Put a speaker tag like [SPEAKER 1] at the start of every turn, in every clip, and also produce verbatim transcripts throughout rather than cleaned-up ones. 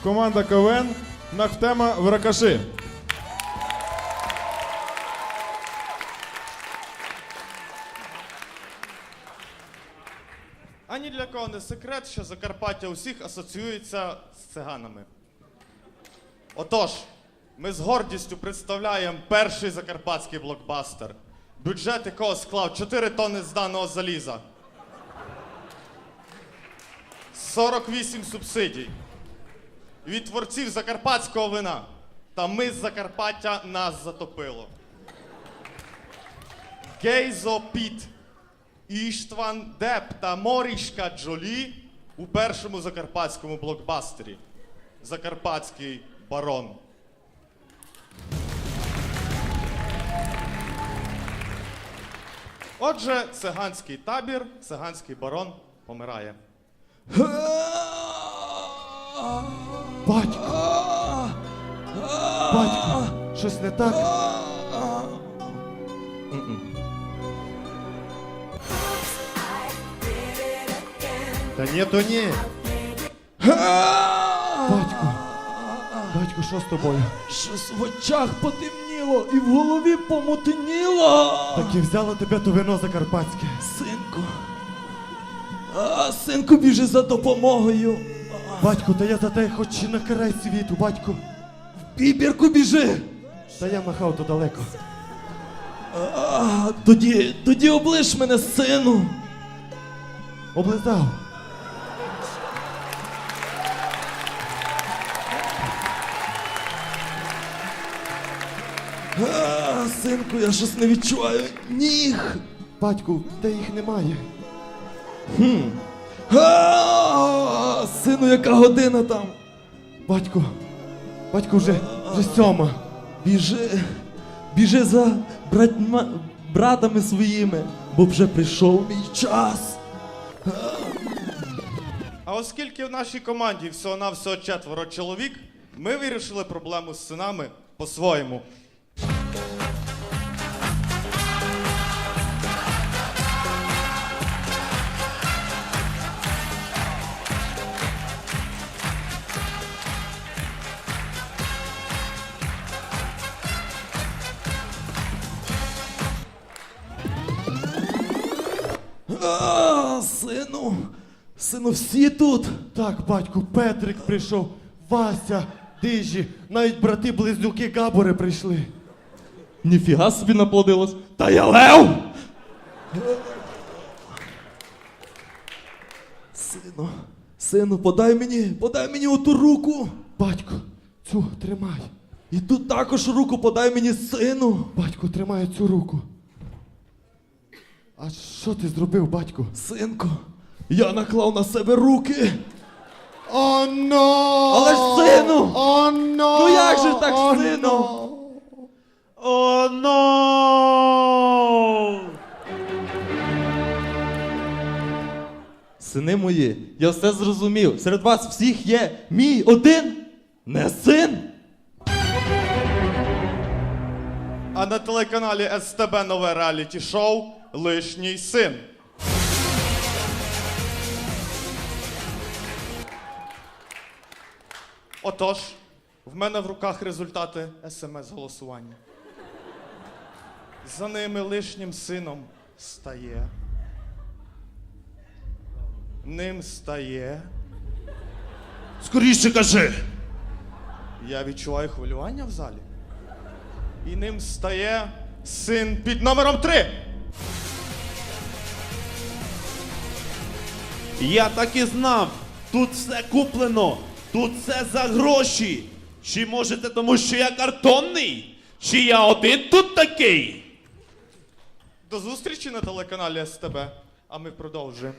[SPEAKER 1] команда КВН Нахтема Вракаши.
[SPEAKER 2] А ні для кого не секрет, що Закарпаття усіх асоціюється з циганами. Отож, ми з гордістю представляємо перший закарпатський блокбастер, бюджет якого склав чотири тонни зданого заліза, сорок вісім субсидій від творців закарпатського вина. Та ми з Закарпаття нас затопило. Гейзо Піт, Іштван Деп та Морішка Джолі у першому закарпатському блокбастері «Закарпатський барон». Отже, циганський табір, циганський барон помирає.
[SPEAKER 3] Батько! Батько! Щось не так? Та ні, то ні. Батько! Батько, що з тобою?
[SPEAKER 4] Щось в очах потемніло і в голові помотеніло.
[SPEAKER 3] Так і взяло тебе то вино закарпатське.
[SPEAKER 4] Синку. А, синку, біжи за допомогою.
[SPEAKER 3] Батько, та я за те хоч на край світу, батько.
[SPEAKER 4] В бібірку біжи.
[SPEAKER 3] Та я махав то далеко.
[SPEAKER 4] А, тоді, тоді облиш мене, сину.
[SPEAKER 3] Облизав.
[SPEAKER 4] А, синку, я щось не відчуваю ніг.
[SPEAKER 3] Батьку, та їх немає.
[SPEAKER 4] Хм. А, сину, яка година там?
[SPEAKER 3] Батько, батько вже, вже сьома.
[SPEAKER 4] Біжи, біжи за братьма, братами своїми, бо вже прийшов мій час.
[SPEAKER 2] А оскільки в нашій команді всього-навсього четверо чоловік, ми вирішили проблему з синами по-своєму.
[SPEAKER 4] А, сину, сину, всі тут.
[SPEAKER 3] Так, батьку, Петрик прийшов, Вася, Дижі, навіть брати-близнюки Габори прийшли.
[SPEAKER 4] Ніфіга собі наплодилось. Та я лев! Сину, сину, подай мені, подай мені оту руку.
[SPEAKER 3] Батько, цю тримай.
[SPEAKER 4] І тут також руку подай мені, сину.
[SPEAKER 3] Батько, тримай цю руку. А що ти зробив, батько?
[SPEAKER 4] Синку, я наклав на себе руки.
[SPEAKER 3] О, но!
[SPEAKER 4] Але ж, сину!
[SPEAKER 3] О, но!
[SPEAKER 4] Ну як же так,
[SPEAKER 3] О,
[SPEAKER 4] сину?
[SPEAKER 3] но!
[SPEAKER 4] О, но! Сини мої, я все зрозумів. Серед вас всіх є мій один не син.
[SPEAKER 2] А на телеканалі ес те бе нове реаліті-шоу «Лишній син». Отож, в мене в руках результати ес ем ес-голосування. За ними лишнім сином стає. Ним стає.
[SPEAKER 3] Скоріше кажи!
[SPEAKER 2] Я відчуваю хвилювання в залі. І ним стає син під номером три.
[SPEAKER 5] Я так і знав. Тут все куплено. Тут все за гроші. Чи можете тому, що я картонний? Чи я один тут такий?
[SPEAKER 2] До зустрічі на телеканалі ес те бе, а ми продовжуємо.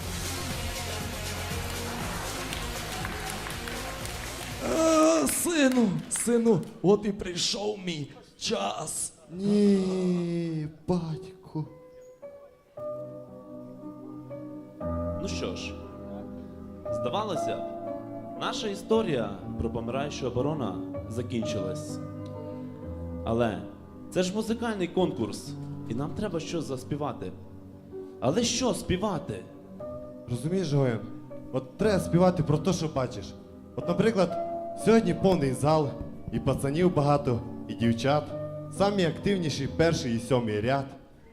[SPEAKER 4] А, сину, сину, от і прийшов мій час.
[SPEAKER 3] Ні, батько.
[SPEAKER 5] Ну що ж, здавалося б, наша історія про помираючого барона закінчилась. Але це ж музикальний конкурс, і нам треба щось заспівати. Але що співати?
[SPEAKER 3] Розумієш, Гоєн? От треба співати про те, що бачиш. От, наприклад, Сьогодні повний зал, і пацанів багато, і дівчат. Самі активніші перший і сьомий ряд.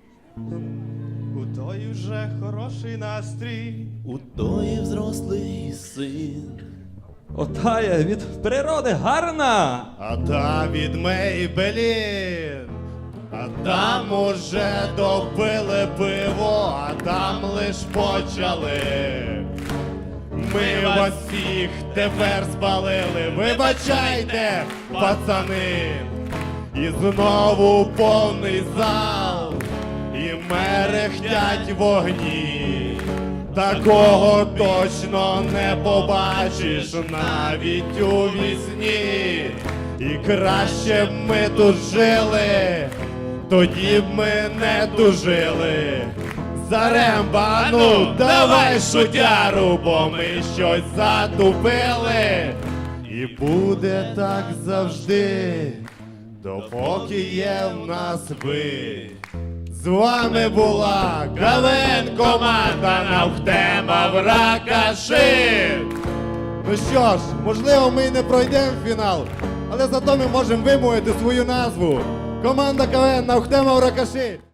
[SPEAKER 2] У той вже хороший настрій.
[SPEAKER 5] У тої взрослий син.
[SPEAKER 4] Отая від природи гарна.
[SPEAKER 3] А та від Мейбелін. А там уже добили пиво, а там лиш почали. Ми вас всіх тепер спалили, вибачайте, пацани. І знову повний зал, і мерехтять вогні. Такого точно не побачиш навіть у вісні. І краще б ми тут жили, тоді б ми не тужили. Заремба, ну давай шутяру, бо ми щось затупили. І буде так завжди, допоки є в нас ви. З вами була КВН команда Навхтема в Ракаши. Ну що ж, можливо, ми й не пройдемо в фінал, але зато ми можемо вимовити свою назву. Команда КВН Навхтема в Ракаши.